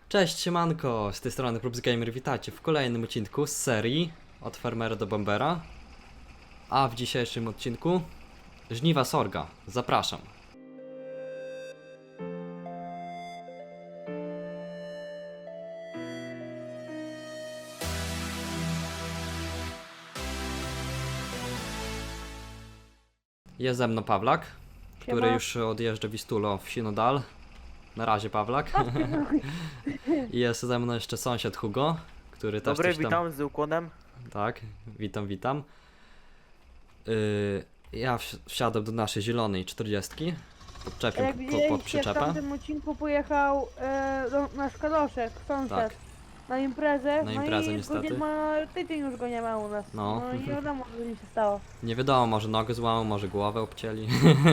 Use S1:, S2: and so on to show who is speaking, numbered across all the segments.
S1: Cześć, siemanko, z tej strony PrubsGamer, witajcie w kolejnym odcinku z serii Od Farmera do Bombera. A w dzisiejszym odcinku Żniwa Sorga, zapraszam. Jest ze mną Pawlak, który
S2: Siema.
S1: już odjeżdża Wistulo w Sinodal. Na razie Pawlak. I jest ze mną jeszcze sąsiad Hugo, który też
S3: Dobry,
S1: coś tam...
S3: witam z ukłonem.
S1: Tak, witam. Ja wsiadłem do naszej zielonej 40. Podczepię
S2: Jak
S1: pod
S2: widzieliście, w
S1: przyczepę.
S2: tamtym odcinku pojechał nasz Kadoszek, sąsiad,
S1: Tak.
S2: na imprezę.
S1: Na imprezę,
S2: no i
S1: niestety.
S2: Godzin ma tydzień już go nie ma u nas.
S1: No.
S2: No i nie wiadomo, co mi się stało.
S1: Nie wiadomo, może nogę złamał, może głowę obcięli.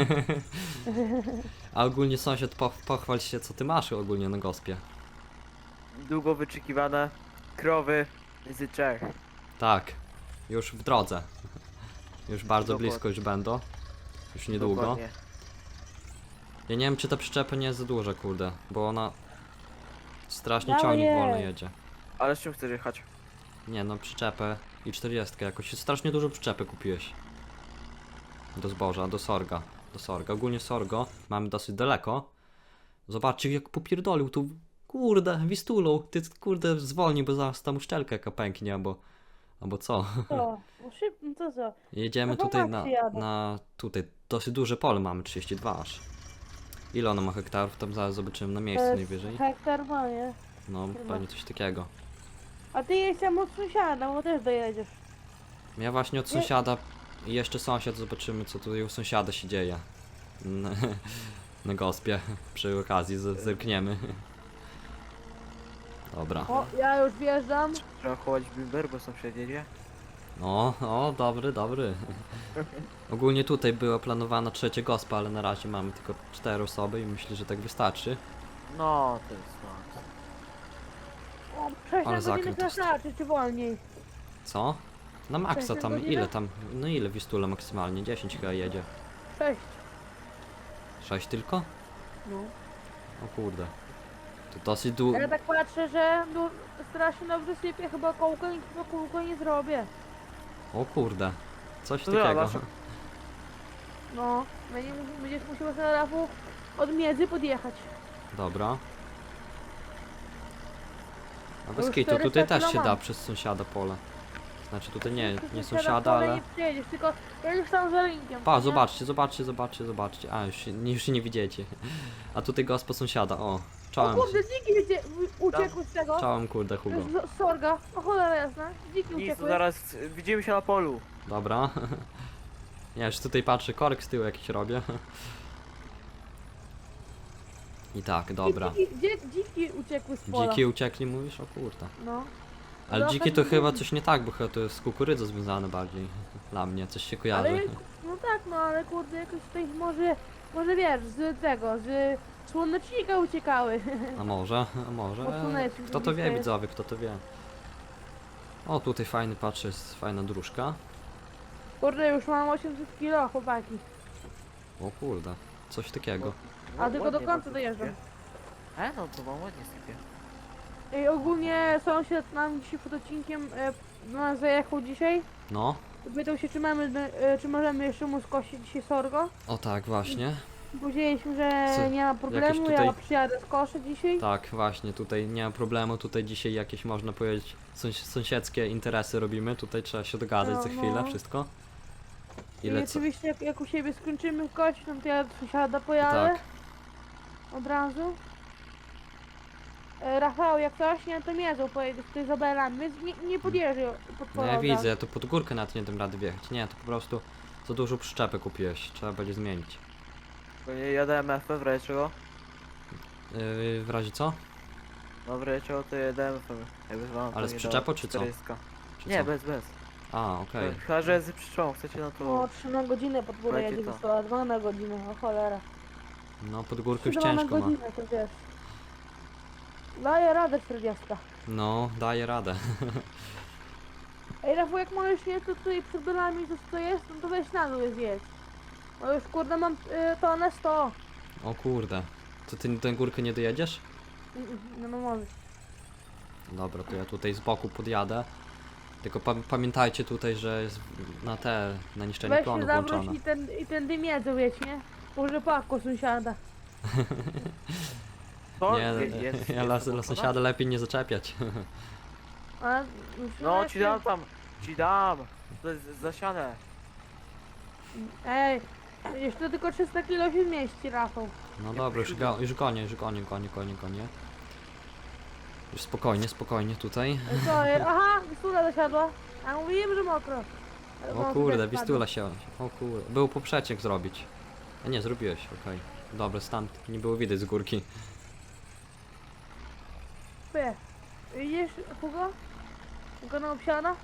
S1: A ogólnie sąsiad, pochwal się, co ty masz ogólnie na gospie.
S3: Długo wyczekiwane krowy z Czech.
S1: Tak, już w drodze. Już bardzo
S3: Dokładnie.
S1: blisko już będą. Już niedługo.
S3: Dokładnie.
S1: Ja nie wiem, czy ta przyczepa nie jest za duża, kurde, bo ona strasznie
S2: Dawaj
S1: ciągnik
S2: je.
S1: wolno jedzie.
S3: Ale z czym chcesz jechać?
S1: Nie no, przyczepę i 40 jakoś. Strasznie dużo przyczepy kupiłeś. Do zboża, do sorga. Do sorga. Ogólnie sorgo mamy dosyć daleko. Zobaczcie jak popierdolił tu. Kurde, Wistulą. Ty kurde zwolnij, bo zaraz tam uszczelka jaka pęknie, albo co.
S2: Co? No szybko, no to co?
S1: Jedziemy
S2: No to
S1: tutaj
S2: Maxi jadę.
S1: tutaj dosyć duże pole mamy, 32 aż. Ile ono ma hektarów? Tam zaraz zobaczymy na
S2: To
S1: miejscu
S2: jest
S1: najwyżej.
S2: hektar ma, nie?
S1: No,
S2: chyba.
S1: pewnie coś takiego.
S2: A ty jedź tam od sąsiada, bo też dojedziesz.
S1: Ja właśnie od
S2: Nie.
S1: sąsiada i jeszcze sąsiad, zobaczymy co tutaj u sąsiada się dzieje. Na, na gospie, przy okazji zerkniemy. Dobra.
S2: O, ja już wjeżdżam.
S3: Trzeba chować bimber, bo sąsiad jedzie.
S1: O, dobry. Ogólnie tutaj była planowana trzecia gospa, ale na razie mamy tylko 4 osoby i myślę, że tak wystarczy.
S3: No, to jest no.
S2: O, 6
S1: Ale
S2: na godzinę
S1: zakręt jest.
S2: wystarczy, czy wolniej?
S1: Co? Na maksa
S2: 6
S1: tam,
S2: godzinę?
S1: ile tam? No ile Wistula maksymalnie? 10 chyba jedzie.
S2: 6.
S1: 6 tylko?
S2: No.
S1: O kurde. To dosyć długo.
S2: Ja tak patrzę, że no, strasznie dobrze sypie, chyba kółko nie zrobię.
S1: O kurde. Coś
S3: To
S1: takiego.
S3: zobacz.
S2: No, będziesz musiał na rafu od miedzy podjechać.
S1: Dobra. A
S2: już
S1: bez kitu,
S2: 400
S1: tutaj też
S2: kilo
S1: się
S2: mam.
S1: da przez sąsiada pole. Znaczy tutaj nie
S2: Teraz
S1: sąsiada,
S2: pole
S1: ale...
S2: nie przejedziesz, tylko ja już tam za linkiem.
S1: Pa,
S2: nie?
S1: zobaczcie. A, już się nie widzicie. A tutaj gospa sąsiada, o.
S2: O
S1: Czołem,
S2: kurde, dziki uciekły z tego.
S1: czołem kurde Hugo.
S2: Z sorga, o cholera jasna. Dziki
S3: Nic, to
S2: uciekły.
S3: zaraz widzimy się na polu.
S1: Dobra. Ja już tutaj patrzę, korek z tyłu jakiś robię. I tak, dobra.
S2: Dziki uciekły z pola.
S1: Dziki uciekli mówisz? O kurde.
S2: No.
S1: Ale
S2: Trochę
S1: dziki to
S2: dziki.
S1: chyba coś nie tak, bo chyba to jest z kukurydzą związane bardziej. Dla mnie, coś się kojarzy.
S2: Ale, no tak, no ale kurde, jakoś tutaj może wiesz, z tego, z słonecznika uciekały.
S1: A może.
S2: Od słonecznika
S1: Kto to wie,
S2: blisko
S1: widzowie, kto to wie. O, tutaj fajny, patrzę, jest fajna dróżka.
S2: Kurde, już mam 800 kilo, chłopaki.
S1: O kurde, coś takiego.
S2: A tylko do
S3: Ładnie
S2: końca
S3: bardzo
S2: dojeżdżam.
S3: sypie. No to wam ładnie sypie.
S2: I ogólnie sąsiad nam dzisiaj pod odcinkiem do nas zajechał dzisiaj.
S1: No,
S2: Pytał się, czy możemy jeszcze mu skosić dzisiaj sorgo.
S1: o tak, właśnie.
S2: Powiedzieliśmy, że
S1: Co,
S2: nie ma problemu,
S1: tutaj-
S2: ja przyjadę skoszę dzisiaj.
S1: Tak, właśnie, tutaj nie ma problemu, tutaj dzisiaj jakieś, można powiedzieć, sąsiedzkie interesy robimy. Tutaj trzeba się dogadać
S2: No,
S1: za chwilę,
S2: no.
S1: wszystko.
S2: I
S1: Ile co?
S2: oczywiście jak u siebie skończymy kość, no to ja do sąsiada pojadę.
S1: Tak.
S2: Od razu. Rafał, jak coś, nie, to miedzą pojedzie tutaj z Abelami, więc nie podjeżdżaj pod
S1: No ja
S2: pole.
S1: widzę, ja tu pod górkę nawet nie dam rady wjechać. Nie, to po prostu za dużo przyczepy kupiłeś, trzeba będzie zmienić.
S3: Bo nie jadę MF w razie czego.
S1: W razie co?
S3: No w razie czego to jadę MF. Jakby wam to
S1: Ale z
S3: nie
S1: przyczepą,
S3: dało.
S1: czy co?
S3: 400.
S1: Czy
S3: Nie,
S1: co?
S3: bez.
S1: A, okej.
S3: Chyba, że z przyczepą chcecie, no to...
S2: O, 3 na godzinę pod górę
S3: Słuchajcie
S2: jedzie
S3: to.
S2: wysłała, 2 na godzinę, o cholera.
S1: No pod górkę już
S2: 2 na
S1: ciężko ma.
S2: godzinę, to wiesz. Daję radę 40.
S1: No, daje radę.
S2: Ej Rafał, jak możesz nie, to tutaj przed dolami to co jest, no to weź na dół je zjedź. No już kurde mam tonę 100.
S1: O kurde. To ty tę górkę nie dojedziesz?
S2: Nie ma mowy.
S1: Dobra, to ja tutaj z boku podjadę. Tylko pamiętajcie tutaj, że jest na niszczenie
S2: Weź się
S1: plonu
S2: zawróć
S1: włączone.
S2: i ten dym jedzą, wiecie, nie? Może pako sąsiada.
S3: To
S1: Nie,
S3: jest
S1: ja
S3: to
S1: sąsiada lepiej nie zaczepiać.
S2: A,
S3: No ci dam tam, ci dam. To jest zasiane.
S2: Ej, jeszcze tylko 300 kilo się zmieści, Rafał.
S1: No dobra, już gonię. Już spokojnie tutaj.
S2: Co jest? Aha, Wistula zasiadła. A mówiłem, że mokro. Ale
S1: O
S2: mokro
S1: kurde,
S2: też
S1: Wistula się. O kurde. Był poprzeciek zrobić. A nie, zrobiłeś, okej. Dobra, stąd nie było widać z górki.
S2: spadł. Widzisz, Hugo? Hugo na obsiana?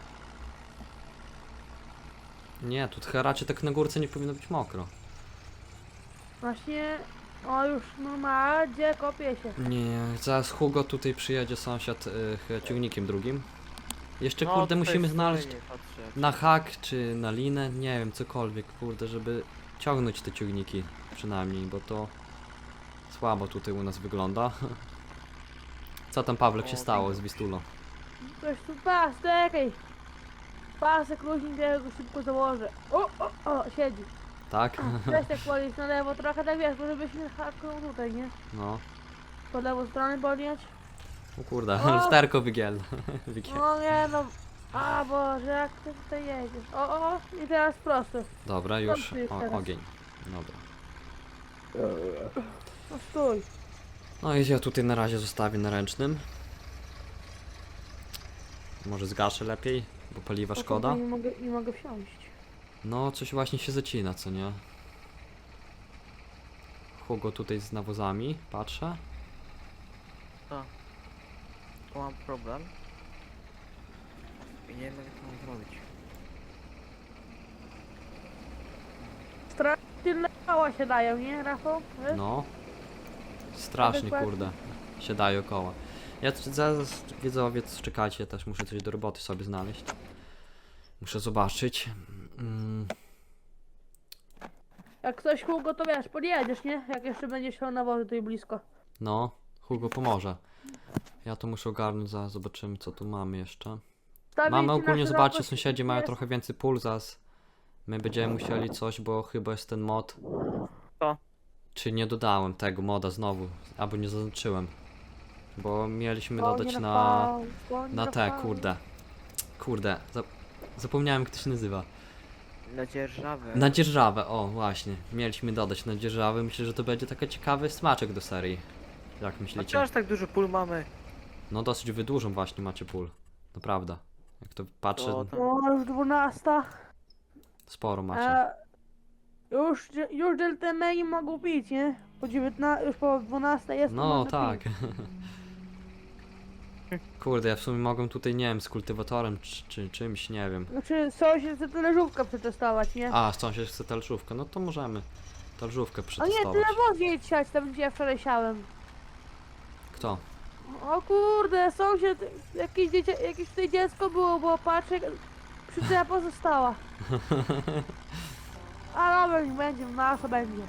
S1: Nie, tu raczej tak na górce nie powinno być mokro.
S2: Właśnie, o już normalnie kopie się.
S1: Nie, zaraz Hugo tutaj przyjedzie sąsiad ciągnikiem drugim. Jeszcze
S3: No,
S1: kurde
S3: tutaj
S1: musimy
S3: stoi,
S1: znaleźć
S3: nie patrzę.
S1: na hak czy na linę, nie wiem, cokolwiek kurde, żeby ciągnąć te ciągniki przynajmniej, bo to słabo tutaj u nas wygląda. Co tam Pawlek się
S3: O,
S1: stało z Wistulą?
S2: Ktoś tu pas, czekaj. Pasek luźnik, ja go szybko założę. O, siedzi.
S1: Tak?
S2: Weź tak podnieść na lewo, trochę tak wiesz, bo żebyśmy haknął tutaj, nie?
S1: No.
S2: Po lewą stronę podnieść.
S1: O kurde,
S2: O!
S1: lusterko wygiel.
S2: No nie no. A Boże, jak ty tutaj jedziesz? O, i teraz prosto.
S1: Dobra, już.
S2: Dobrze jest
S1: O,
S2: teraz.
S1: ogień. Dobra.
S2: No stój.
S1: No i ja tutaj na razie zostawię na ręcznym. Może zgaszę lepiej, bo paliwa
S2: O,
S1: szkoda.
S2: kurde, nie mogę wsiąść.
S1: No, coś właśnie się zacina, co nie? Hugo tutaj z nawozami, patrzę.
S3: Tu mam problem. I nie wiem jak to mam zrobić.
S2: Tylne koła się dają, nie, Rafał? Wiesz?
S1: No. Strasznie,
S2: Dokładnie.
S1: kurde. Się daje koła. Ja zaraz, widzowie, czekajcie, też muszę coś do roboty sobie znaleźć. Muszę zobaczyć.
S2: Jak ktoś Hugo, to wiesz, podjedziesz, nie? Jak jeszcze będziesz się na wozie tutaj blisko.
S1: No, Hugo pomoże. Ja to muszę ogarnąć, zaraz zobaczymy co tu mamy jeszcze.
S2: Stawię
S1: Mamy
S2: ci na
S1: ogólnie,
S2: szerokość,
S1: zobaczcie, sąsiedzi mają
S2: jest-
S1: trochę więcej pól, zaraz my będziemy musieli coś, bo chyba jest ten mod.
S3: Co?
S1: Czy nie dodałem tego moda znowu, albo nie zaznaczyłem. Bo mieliśmy
S2: Konie
S1: dodać na
S2: Rafał, konie
S1: te,
S2: Rafał.
S1: kurde, zapomniałem jak to się nazywa.
S3: Na dzierżawę.
S1: Na dzierżawę, o właśnie, mieliśmy dodać na dzierżawę, myślę, że to będzie taki ciekawy smaczek do serii. Jak
S3: A
S1: myślicie?
S3: czy aż tak dużo pól mamy?
S1: No dosyć wydłużą właśnie macie pól, naprawdę. Jak to patrzę,
S3: To tam-
S2: No, już 12.
S1: sporo macie.
S2: Już Deltemeni mogą pić, nie? Po 19, już po 12 jest. to
S1: No
S2: można
S1: tak.
S2: pić.
S1: Kurde, ja w sumie mogę tutaj, nie wiem, z kultywatorem czy czymś, nie wiem.
S2: Znaczy, sąsiad chce talerzówkę przetestować, nie?
S1: A, sąsiad chce talżówkę, no to możemy talżówkę
S2: O nie,
S1: przetestować.
S2: tyle woz nie siać, tam gdzie ja wczoraj siałem.
S1: Kto?
S2: O kurde, sąsiad, jakieś tutaj dziecko było, bo patrzę, przyczepa została. A dobra, niech będzie, nasza będzie.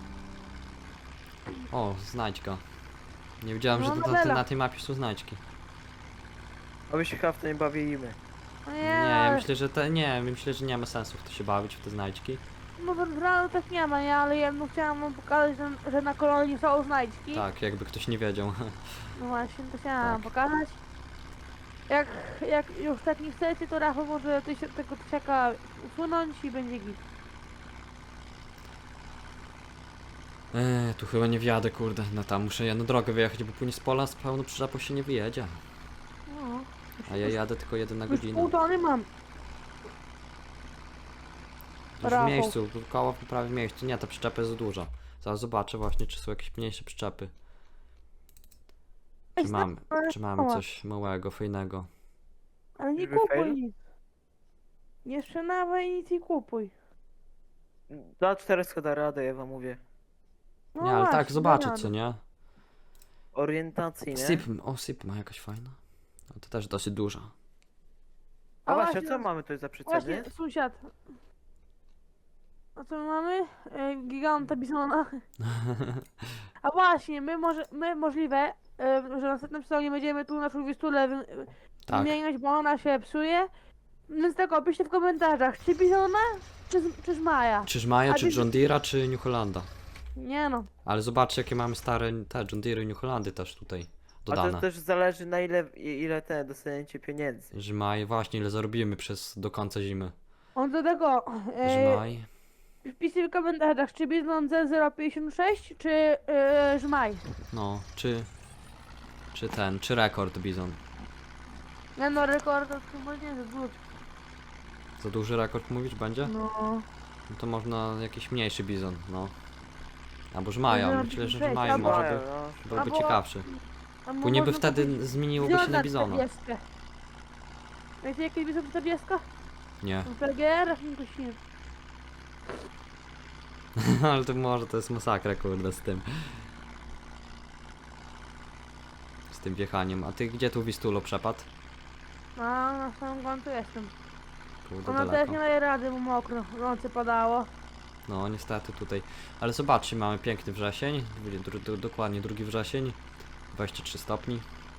S1: O, znajdźka. Nie wiedziałem,
S2: No,
S1: że
S2: nowela.
S1: na tej mapie są znajdźki.
S3: A my się chyba w to nie bawimy.
S2: No
S1: Nie, ja myślę, że nie ma sensu w to się bawić, w te znajdźki.
S2: No to rano tak nie ma, nie? Ale ja chciałam wam pokazać, że na kolonii są znajdźki.
S1: Tak, jakby ktoś nie wiedział.
S2: No właśnie, to chciałam
S1: Tak.
S2: pokazać. Jak już tak nie chcecie, to Rafał może tego tysiaka usunąć i będzie git.
S1: Tu chyba nie wjadę, kurde. No tam muszę ja na drogę wyjechać, bo później z pola z pełną przyczepą się nie wyjedzie.
S2: No.
S1: A ja jadę tylko 1 na
S2: Już
S1: godzinę.
S2: pół tony mam.
S1: Już w
S2: Rafał.
S1: miejscu, koło prawie w miejscu. Nie, ta przyczepa jest za duża. Zaraz zobaczę właśnie, czy są jakieś mniejsze przyczepy. Czy mamy coś małego, fajnego.
S2: Ale nie
S3: Żeby
S2: kupuj
S3: fail?
S2: nic. Nie sprzedawaj nic i kupuj.
S3: Za 400 da radę, ja wam mówię.
S2: No
S1: Nie, ale tak,
S2: właśnie,
S1: zobaczę,
S2: dobra.
S1: co nie?
S3: Orientacyjnie.
S1: Sip ma jakaś fajna. No to też dosyć duża.
S3: A
S2: A
S3: właśnie,
S2: właśnie,
S3: co mamy tutaj za
S2: Właśnie,
S3: przeceny?
S2: sąsiad. A co my mamy? Giganta Bisona. A właśnie, my możliwe, że w następnym sezonie będziemy tu naszą Wistulę
S1: Tak.
S2: wymieniać, bo ona się psuje. Więc tak, piszcie w komentarzach, czy Bizona, czy Żmaja.
S1: Czy Żmaja,
S2: A
S1: czy
S2: ty-
S1: John Deere'a, czy New Hollanda.
S2: Nie no.
S1: Ale zobaczcie, jakie mamy stare te John Deere i New Hollandy też tutaj
S3: A to
S1: dodane.
S3: też zależy na ile te dostaniecie pieniędzy.
S1: Żmaj, właśnie ile zarobimy do końca zimy.
S2: On do tego,
S1: Żmaj.
S2: wpisy w komentarzach, czy Bizon Z056, czy Żmaj.
S1: No, czy rekord Bizon.
S2: Nie no, rekord to chyba nie za dużo.
S1: Za duży rekord mówisz będzie?
S2: No.
S1: No to można jakiś mniejszy Bizon, no. Albo Żmaja,
S2: Może
S1: myślę, że
S2: być
S1: Żmaj
S2: albo-
S1: może by,
S3: no.
S1: byłby
S2: albo-
S1: ciekawszy.
S2: Albo
S1: Później by
S2: można
S1: wtedy
S2: kupić
S1: zmieniłoby się na Bizona.
S2: 40. Wiecie jaki Bizon 40?
S1: Nie,
S2: PGR, to śmieję.
S1: ale to może to jest masakra kurde z tym. Z tym wjechaniem. A ty gdzie tu Wistulo przepadł?
S2: A na samym końcu jestem.
S1: Kurde
S2: Ona też
S1: daleko.
S2: nie daje rady, bo mokro. W nocy padało.
S1: No niestety tutaj. Ale zobaczcie, mamy piękny wrzesień. Dokładnie 2 wrzesień. 23 stopni.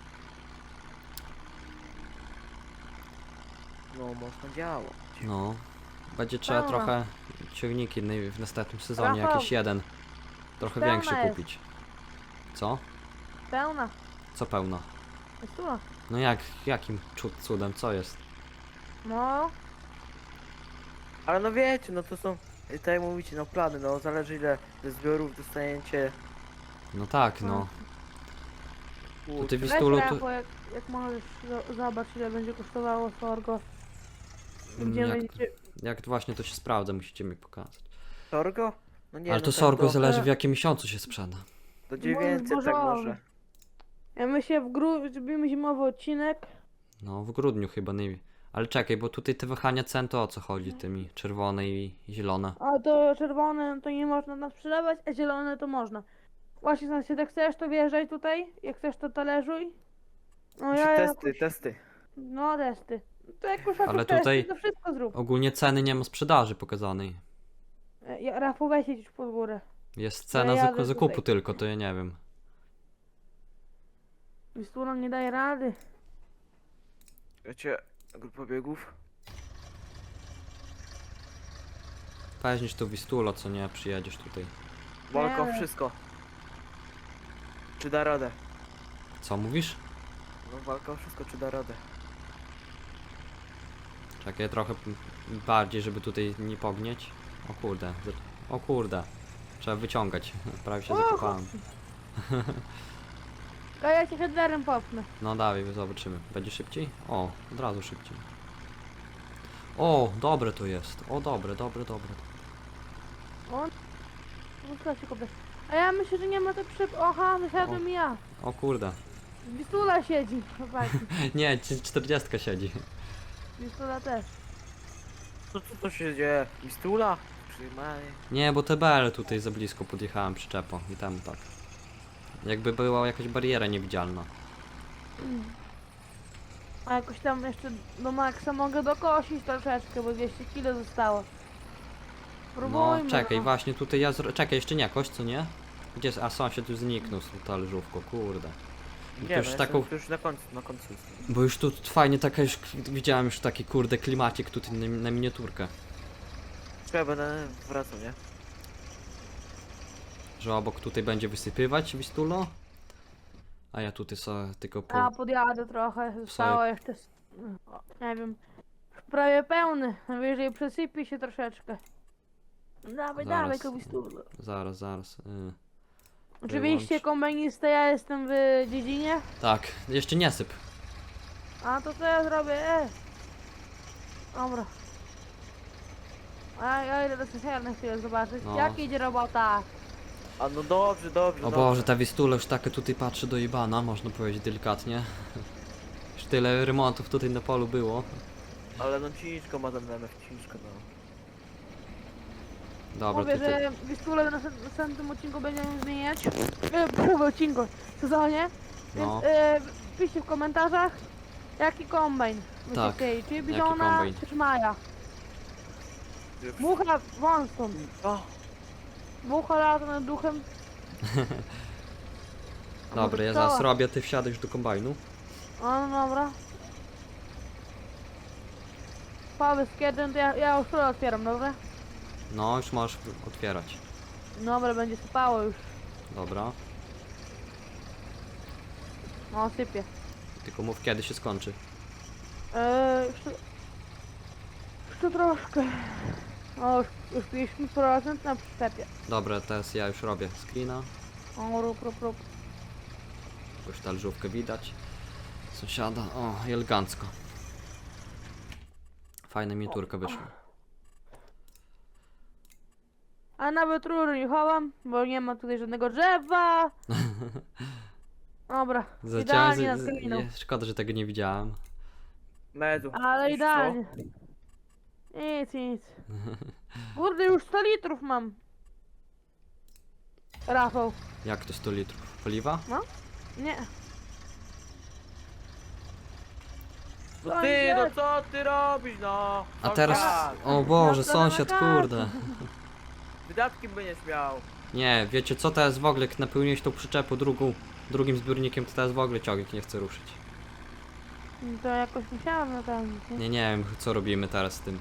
S3: No można działać.
S1: No. Będzie trzeba
S2: Pełna.
S1: trochę ciągniki w następnym sezonie,
S2: Rafał,
S1: jakieś jeden. Trochę
S2: pełna
S1: większy
S2: jest.
S1: kupić. Co?
S2: Pełna.
S1: Co pełna?
S2: Jest tu.
S1: No jakim cudem, co jest?
S2: No.
S3: Ale no wiecie, no to są, tak jak mówicie, no plany, no zależy ile ze zbiorów dostaniecie.
S1: No tak, no. To ty
S3: Kurczę.
S2: Weź
S1: Wistulu tu...
S2: Rafał, jak możesz, zobacz ile będzie kosztowało Sorgo. Gdzie
S1: Jak,
S2: będzie...
S1: jak właśnie to się sprawdza, musicie mi pokazać.
S3: Sorgo? No nie,
S1: Ale
S3: no
S1: to
S3: tak
S1: sorgo
S3: do,
S1: zależy w jakim miesiącu się sprzeda.
S3: do 900 tak
S2: zbożowy.
S3: może.
S2: Ja myślę w grudniu zrobimy zimowy odcinek.
S1: No w grudniu chyba nie. Ale czekaj, bo tutaj te wahania cen to o co chodzi tymi czerwone i zielone.
S2: A to czerwone to nie można nam sprzedawać, a zielone to można. Właśnie sąsiad, jak chcesz to wjeżdżaj tutaj, jak chcesz to talerzuj. No ja
S3: Testy,
S2: jakoś...
S3: testy.
S2: No testy. To jak już
S1: Ale
S2: testy,
S1: tutaj-
S2: to wszystko zrób.
S1: Ogólnie ceny nie ma sprzedaży pokazanej.
S2: Rafał weź już pod górę.
S1: Jest cena
S2: ja jadę
S1: zakupu
S2: tutaj.
S1: tylko, to ja nie wiem.
S2: Wistula nie daje rady.
S3: Wiecie, grupa biegów.
S1: Weźmiesz tu Wistulo, co nie, przyjedziesz tutaj.
S3: Walka o
S2: Nie.
S3: wszystko. Czy da radę?
S1: Co mówisz?
S3: No walka o wszystko, czy da radę?
S1: Czekaj, trochę bardziej, żeby tutaj nie pognieć. O kurde, o kurde. Trzeba wyciągać, prawie się
S2: O,
S1: zakopałem.
S2: A ja cię headerem popnę.
S1: No dawaj, zobaczymy. Będzie szybciej? O, od razu szybciej. O, dobre to jest. O, dobre.
S2: Wózka się kopie. A ja myślę, że nie ma to Oha, wysiadłem i ja.
S1: O kurde.
S2: Wistula siedzi. Chłopaki.
S1: Nie, 40 siedzi.
S2: Wistula też.
S3: Co to się dzieje? Mistula? Przyjmaj.
S1: Nie, bo TBL tutaj za blisko podjechałem przyczepą i tam tak. Jakby była jakaś bariera niewidzialna.
S2: A jakoś tam jeszcze do maksa mogę dokosić troszeczkę, bo 200 kg zostało.
S1: No,
S2: Próbujmy.
S1: czekaj, właśnie tutaj ja czekaj, jeszcze nie kość, co nie? Gdzie jest? A sąsiad już zniknął z tą talerzówką, kurde.
S3: Nie,
S1: To
S3: no
S1: już taką,
S3: to już na końcu jestem.
S1: bo już tu fajnie taka już, widziałem już taki kurde klimacik tutaj na miniaturkę.
S3: Ja będę wracał, nie?
S1: Że obok tutaj będzie wysypywać Wistulo. A ja tutaj sobie tylko
S2: A podjadę trochę, zostało jeszcze, nie wiem, prawie pełny, najwyżej przesypie się troszeczkę. Dawaj,
S1: Zaraz.
S2: dawaj, Kowistulo.
S1: Zaraz.
S2: Oczywiście
S1: Wyłącz.
S2: kombinista, ja jestem w dziedzinie.
S1: Tak, jeszcze nie syp.
S2: A to co ja zrobię? Dobra. A ja idę do sąsiada na chwilę zobaczyć,
S1: No.
S2: jak idzie robota.
S3: A no dobrze.
S1: O Boże, ta Wistula już taka tutaj patrzy do jebana, można powiedzieć delikatnie. Już tyle remontów tutaj na polu było.
S3: Ale no ciężko ma ten MF, ciężko no.
S1: Dobra,
S2: Mówię,
S1: ty.
S2: że Wistulę na następnym odcinku będziemy zmieniać. W odcinku, w sezonie. Więc
S1: No.
S2: piszcie w komentarzach, jaki kombajn
S1: Tak,
S2: chcieli, czy
S1: jaki
S2: Bizona,
S1: kombajn.
S2: czy Maja. Mucha wąską.
S3: O,
S2: Mucha lata nad duchem.
S1: Dobra, ja zaraz robię, ty wsiadasz do kombajnu.
S2: O, no dobra. Powiedz kiedy, to ja już to otwieram, dobra?
S1: No, już możesz otwierać.
S2: Dobra, będzie sypało już.
S1: Dobra.
S2: No, sypie.
S1: Tylko mów kiedy się skończy.
S2: Jeszcze troszkę. O, już 50% na przyczepie.
S1: Dobra, teraz ja już robię screena.
S2: O, rób.
S1: Już talerzówkę widać. Sąsiada. O, i elegancko. Fajna miniaturka wyszła.
S2: A nawet rury nie chowam, bo nie ma tutaj żadnego drzewa. Dobra, idealnie nad gliną.
S1: Szkoda, że tego nie widziałem.
S3: Medu.
S2: Ale
S3: wiesz co?
S2: idealnie. Nic. Kurde, już 100 litrów mam. Rafał,
S1: Jak to 100 litrów? Paliwa?
S2: nie.
S3: No ty, no co ty robisz, no?
S1: A teraz...
S3: Sąsiad,
S1: O Boże,
S2: Ja to na
S1: sąsiad,
S2: kartę.
S1: kurde.
S3: wydatki będziesz miał.
S1: Nie, wiecie co teraz w ogóle, jak napełniłeś tą przyczepę drugim zbiornikiem, to teraz w ogóle ciągnik nie chce ruszyć.
S2: To jakoś musiałam napełnić, nie?
S1: Nie wiem, co robimy teraz z tym.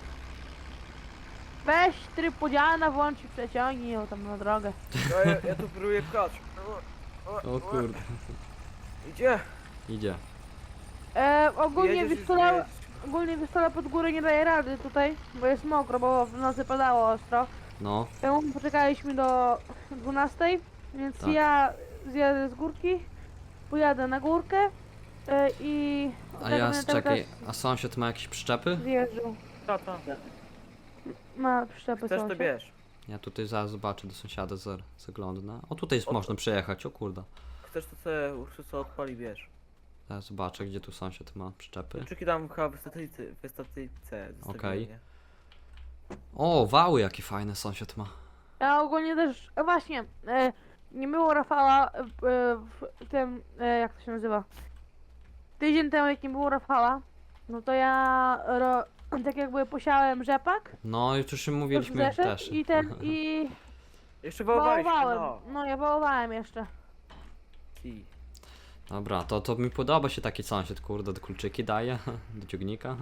S2: Weź tryb podziana, włącz i przeciągnij ją tam na drogę.
S3: Ja tu próbuję pchać.
S1: O kurde.
S3: Idzie.
S1: Idzie.
S2: Ogólnie
S3: Jedziesz już,
S2: wystola,
S3: jedziesz.
S2: ogólnie wystola pod górę nie daje rady tutaj, bo jest mokro, bo w nocy padało ostro.
S1: No,
S2: Temu poczekaliśmy do 12, więc
S1: Tak.
S2: ja zjadę z górki, pojadę na górkę i...
S1: a
S2: tak
S1: ja,
S2: będę cały
S1: czekaj,
S2: czas
S1: a sąsiad ma jakieś przyczepy?
S2: zjeżdżał.
S3: Tata,
S2: Ma przyczepy
S3: chcesz to
S2: sąsiad.
S3: bierz.
S1: Ja tutaj zaraz zobaczę do sąsiada, zaglądnę. O, tutaj jest, można przejechać, o kurde.
S3: Chcesz to sobie Ursusa odpali, bierz.
S1: Zaraz zobaczę, gdzie tu sąsiad ma przyczepy.
S3: Kluczyki dam chyba w statyjce.
S1: Okej. O, wały jakie fajne sąsiad ma.
S2: Ja ogólnie też, właśnie, nie było Rafała w tym, jak to się nazywa? Tydzień temu jak nie było Rafała, no to ja tak jakby posiałem rzepak,
S1: No, już mówiliśmy
S2: zeszedł
S1: też.
S2: i
S3: Jeszcze wołowałeś,
S2: wołowałem.
S3: no.
S2: No ja wołowałem jeszcze.
S3: Ci.
S1: Dobra, to mi podoba się taki sąsiad, kurde, do kluczyki daje, do ciągnika.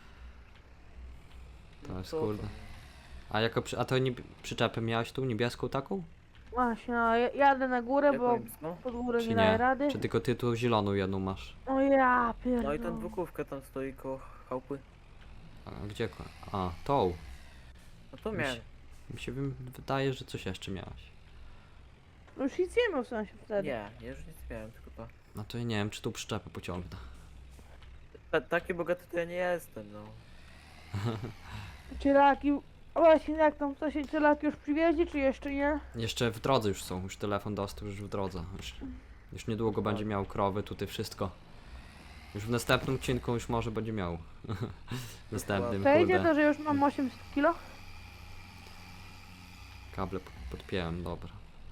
S1: To jest
S3: Co
S1: kurde. A jako a to przyczepę miałeś tu, niebieską taką?
S2: Właśnie, no, jadę na górę,
S3: Jak
S2: bo
S3: powiem, no.
S2: pod górę
S1: Czy
S2: nie daje
S1: nie?
S2: rady.
S1: Czy tylko ty tu zieloną jedną masz?
S2: O ja
S3: No i
S2: pierdolę.
S3: ten dwukówka tam stoi koło chałupy.
S1: A gdzie? A, tą.
S3: No to
S1: Mi
S3: miałem.
S1: się- Mi się wydaje, że coś jeszcze miałeś.
S2: No już nic nie miał sąsiad wtedy.
S3: Nie, ja już nic miałem, tylko to.
S1: No to ja nie wiem, czy tą przyczepę pociągnę.
S3: Taki bogaty to ja nie jestem, no.
S2: Cielaki, o właśnie jak tam coś cielaki już przywieźli, czy jeszcze nie?
S1: Jeszcze w drodze już są, już telefon dostał, już w drodze. Już niedługo będzie miał krowy, tutaj wszystko. Już w następnym odcinku już może będzie miał. W następnym,
S2: Przejdzie
S1: kurde.
S2: to, że już mam 800 kilo?
S1: Kable podpiąłem, dobra.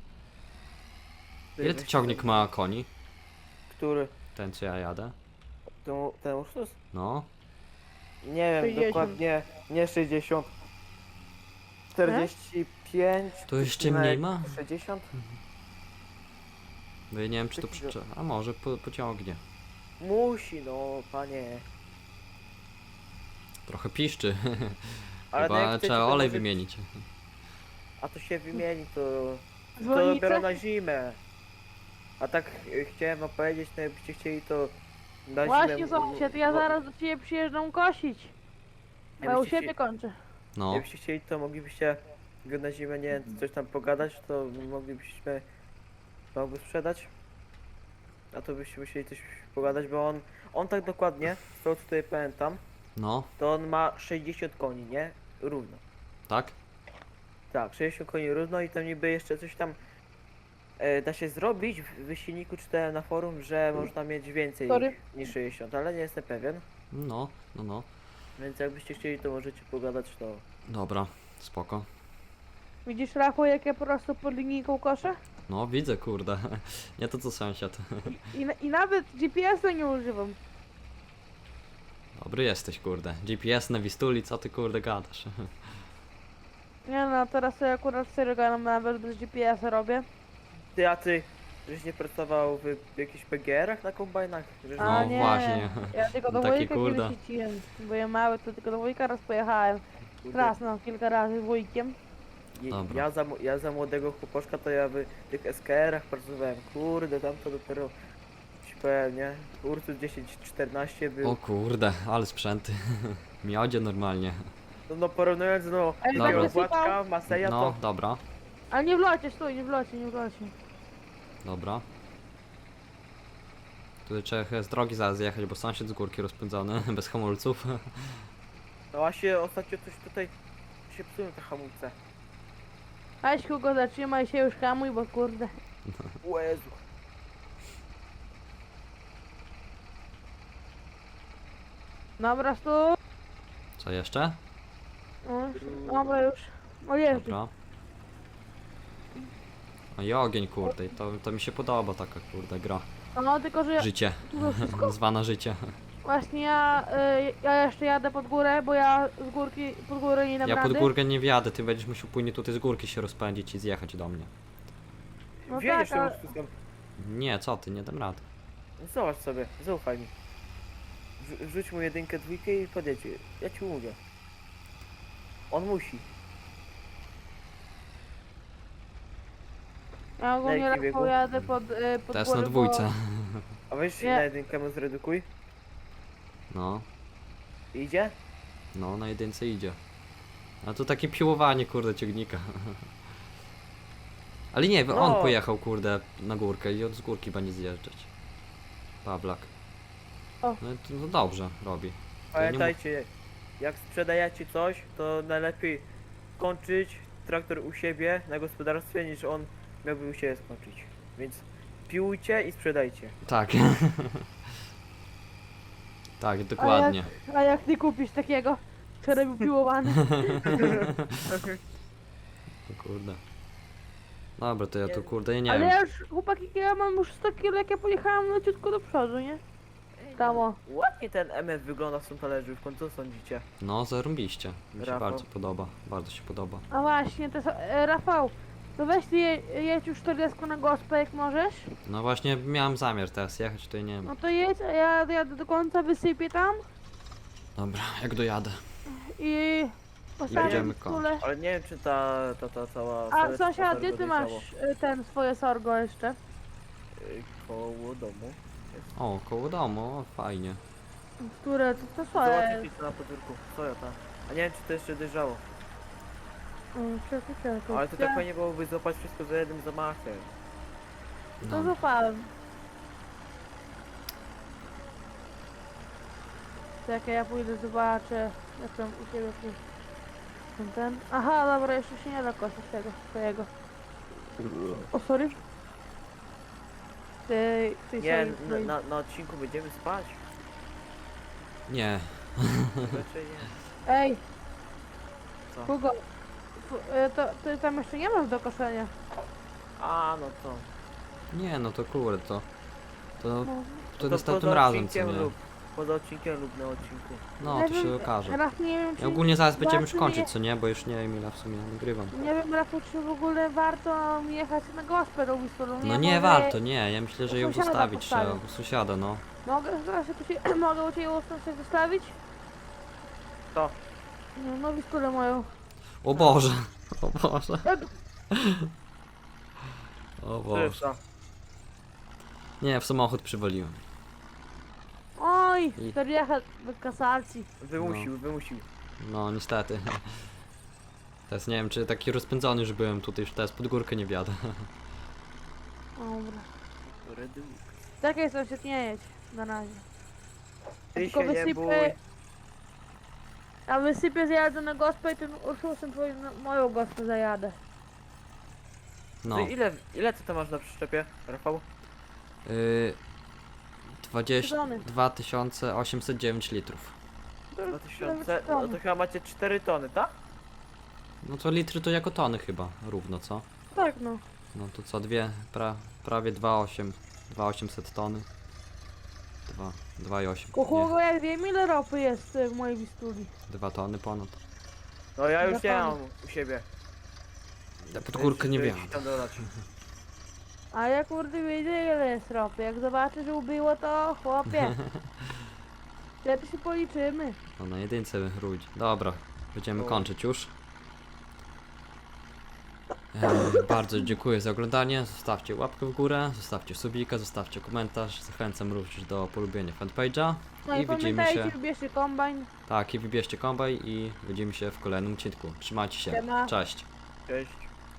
S3: Ty,
S1: Ile
S3: weź
S1: ten ciągnik
S3: ten-
S1: ma koni?
S3: Który?
S1: Ten co ja jadę?
S3: Ten Ursus?
S1: No.
S3: Nie wiem,
S2: 60.
S3: dokładnie. Nie 60. 45.
S1: To jeszcze
S3: odcinek
S1: mniej ma?
S3: 60?
S1: Bo ja nie wiem, czy to
S3: Takiego-
S1: przyczepa. A może pociągnie.
S3: Musi, no, panie.
S1: Trochę piszczy.
S3: Ale no
S1: Chyba
S3: jak chcecie,
S1: trzeba
S3: to
S1: olej
S3: może-
S1: wymienić.
S3: A to się wymieni, to
S2: Dzwonice?
S3: dopiero na zimę. A tak chciałem wam powiedzieć, no jakbyście chcieli to na
S2: Właśnie
S3: zimę...
S2: sąsiad, ja zaraz do ciebie przyjeżdżam kosić. Bo ja u
S3: Jakbyście
S2: siebie kończę.
S1: No.
S3: Jakbyście chcieli, to moglibyście go na zimę, nie wiem, coś tam pogadać, to moglibyśmy wam go sprzedać. A to byście musieli coś pogadać, bo on tak dokładnie, z tego co tutaj pamiętam,
S1: No.
S3: to on ma 60 koni, nie? Równo.
S1: Tak?
S3: Tak, 60 koni równo i tam niby jeszcze coś tam da się zrobić w silniku, czytałem na forum, że można mieć więcej
S2: Sorry.
S3: niż 60, ale nie jestem pewien.
S1: No. No.
S3: Więc jakbyście chcieli, to możecie pogadać, to...
S1: Dobra. Spoko.
S2: Widzisz Rafał, jak ja po prostu pod linijką koszę?
S1: No, widzę, kurde. Nie to co sąsiad.
S2: I nawet GPS-a nie używam.
S1: Dobry jesteś, kurde. GPS na Wistuli, co ty, kurde, gadasz?
S2: Nie no, teraz sobie akurat serio gadam, nawet bez GPS-a robię.
S3: Ty, a ty Żeś nie pracował w jakichś PGR-ach na kombajnach? Żeś
S2: A
S1: No
S2: nie,
S1: właśnie.
S2: ja tylko do
S1: Taki
S2: wujka
S1: kurde.
S2: kiedyś jeździłem. Byłem mały, to tylko do wujka raz pojechałem.
S3: kurde,
S2: Raz, no, kilka razy z wujkiem.
S1: Dobra.
S3: ja za młodego chłopoczka to ja w tych SKR-ach pracowałem. Kurde, tam to dopiero ci powiem, nie? Ursus 10-14 był.
S1: O kurde, ale sprzęty. Miodzie normalnie.
S3: No porównując do
S2: Ej,
S1: Dobra.
S3: takiego Władka, Maseja,
S1: No,
S3: to
S1: dobra,
S2: Ale nie w locie, stój, nie w locie, nie w locie.
S1: dobra. Tutaj trzeba z drogi zaraz zjechać, bo sąsiad z górki rozpędzony, bez hamulców.
S3: no właśnie ostatnio coś tutaj się psują te hamulce.
S2: Weź Hugo, zatrzymaj się już, hamuj, bo kurde.
S3: O Jezu.
S2: Dobra, stój.
S1: Co jeszcze?
S2: No, dobra już. O Jezu.
S1: Dobra. O i ogień kurde, i to mi się podoba taka kurde gra.
S2: No, tylko że
S1: Życie.
S2: dużo wszystko.
S1: Zwana życie.
S2: Właśnie ja jeszcze jadę pod górę, bo ja z górki, pod górę nie dam
S1: Ja pod
S2: rady.
S1: górkę nie wjadę, ty będziesz musiał później tutaj z górki się rozpędzić i zjechać do mnie.
S2: No
S3: Wjedziesz
S2: tak,
S3: tym
S2: ale...
S3: Ursusem.
S1: Nie, co ty, nie dam rady.
S3: Zobacz sobie, zaufaj mi. Wrzuć mu jedynkę, dwójkę i podjedź. Ja ci mówię. On musi.
S2: Ja ogólnie
S3: Na jakim
S2: Rafał
S3: biegu?
S2: jadę pod
S1: Teraz
S2: górę,
S1: na dwójce.
S3: A weź
S2: Nie.
S3: na jedynkę mu zredukuj.
S1: No,
S3: Idzie?
S1: no na jedynce idzie. A to takie piłowanie kurde ciągnika. Ale nie, on
S3: No.
S1: pojechał kurde na górkę i od z górki będzie zjeżdżać. Pawlak.
S2: O.
S1: No, to, no dobrze robi.
S3: Pamiętajcie, jak sprzedajecie coś, to najlepiej kończyć traktor u siebie na gospodarstwie, niż on miałby u siebie skończyć. Więc piłujcie i sprzedajcie.
S1: Tak. Tak, dokładnie.
S2: A jak ty kupisz takiego, który był piłowany?
S1: O kurde. Dobra, to ja tu
S3: Nie.
S1: kurde, ja nie
S2: Ale
S1: wiem.
S2: ja już, chłopaki, ja mam już 100 kg, jak ja pojechałam leciutko do przodu, nie? Tam o.
S3: Ładnie ten MF wygląda w tym talerzówką, co sądzicie?
S1: No, zarąbiście. Mi się
S3: Rafał.
S1: bardzo podoba. Bardzo się podoba.
S2: A właśnie, to Rafał, to weź ty jedź już 40 na gospę, jak możesz.
S1: No właśnie miałem zamiar teraz jechać, tutaj nie wiem.
S2: No to jedź, a ja jadę do końca, wysypię tam
S1: Dobra, jak dojadę.
S2: i postawię
S1: będziemy
S2: w stule.
S3: Ale nie wiem, czy ta cała...
S2: A
S3: całe
S2: sąsiad,
S3: twoje
S2: gdzie ty
S3: dojrzało.
S2: masz ten swoje sorgo jeszcze?
S3: Koło domu.
S1: O, koło domu, o, fajnie.
S2: Które, to swoje.
S3: Zobaczcie co na podwórku. Co ja tam? A nie wiem, czy to jeszcze dojrzało.
S2: Czekaj.
S3: Ale to tak fajnie byłoby złapać wszystko za jednym zamachem.
S2: To
S1: No.
S2: zapałem. Czekaj, ja pójdę, zobaczę, jak tam u ciebie ten. Aha, dobra, jeszcze się nie da kosić tego swojego. O, sorry. Ty
S3: Nie,
S2: swojej-
S3: na odcinku będziemy spać.
S1: Nie.
S3: Raczej nie.
S2: Ej,
S3: Co?
S2: Hugo, to ty tam jeszcze nie masz do koszenia.
S3: A, no to.
S1: Nie, no to kurde, to
S2: No,
S1: to
S3: To
S1: następnym
S3: poza
S1: razem, co
S3: odcinkiem
S1: nie?
S3: lub poza odcinkiem lub na odcinku.
S1: No,
S2: nie
S1: to się
S2: wiem,
S1: okaże.
S2: Raz nie wiem, czy...
S1: Ja ogólnie zaraz będziemy już
S2: warto
S1: kończyć, co nie? Bo już nie wiem ile w sumie nagrywam.
S2: Nie wiem, Rafał, czy w ogóle warto mi jechać na gospę do Wistulu.
S1: No nie warto, nie. Ja myślę, że ją
S2: Sąsiada
S1: zostawić trzeba.
S2: postawię.
S1: U sąsiada, no.
S2: Mogę zaraz się tu się, mogę u ciebie coś zostawić?
S3: To.
S2: No Wistulę moją.
S1: O Boże. O Boże. O Boże.
S3: Przecież,
S1: Nie, w samochód przywaliłem.
S2: Oj,
S1: I-
S2: 40 bez kasacji.
S3: wymusił.
S1: No, niestety. Teraz nie wiem, czy taki rozpędzony już byłem tutaj, już teraz pod górkę nie wjadę.
S2: Dobra.
S3: Redu.
S2: Czekaj, sąsiad, nie jedź. Na razie.
S3: Ty
S2: Tylko
S3: się nie bój.
S2: wysypię... A wysypię, zjadę na gospę i tym Ursusem twoim moją gospę zajadę.
S1: No.
S3: Ty ile ty to masz na przyczepie, Rafał?
S1: 2809 litrów.
S3: 2000? No to chyba macie 4 tony, tak?
S1: No to litry to jako tony chyba, równo, co?
S2: Tak, no.
S1: No to co, prawie 2800 tony. 2,8.
S2: Kuchłogo, jak wiem, ile ropy jest w mojej Wistuli.
S1: 2 tony ponad.
S3: No ja już nie
S2: Zapomnę.
S3: mam u siebie.
S1: Ja pod górkę nie
S3: Żeby
S1: wiem.
S3: ci tam dodać.
S2: A ja kurde widzę ile jest ropy. Jak zobaczę, że ubyło to chłopie. Wtedy się policzymy.
S1: No na jedynce rój. Dobra, będziemy
S3: O.
S1: kończyć już. Bardzo dziękuję za oglądanie. Zostawcie łapkę w górę, zostawcie subika, zostawcie komentarz. Zachęcam również do polubienia fanpage'a.
S2: No
S1: I
S2: i
S1: widzimy
S2: pamiętajcie,
S1: się.
S2: wybierzcie kombajn.
S1: Tak, i wybierzcie kombaj i widzimy się w kolejnym odcinku. Trzymajcie się.
S2: Siema.
S1: Cześć.
S3: Cześć.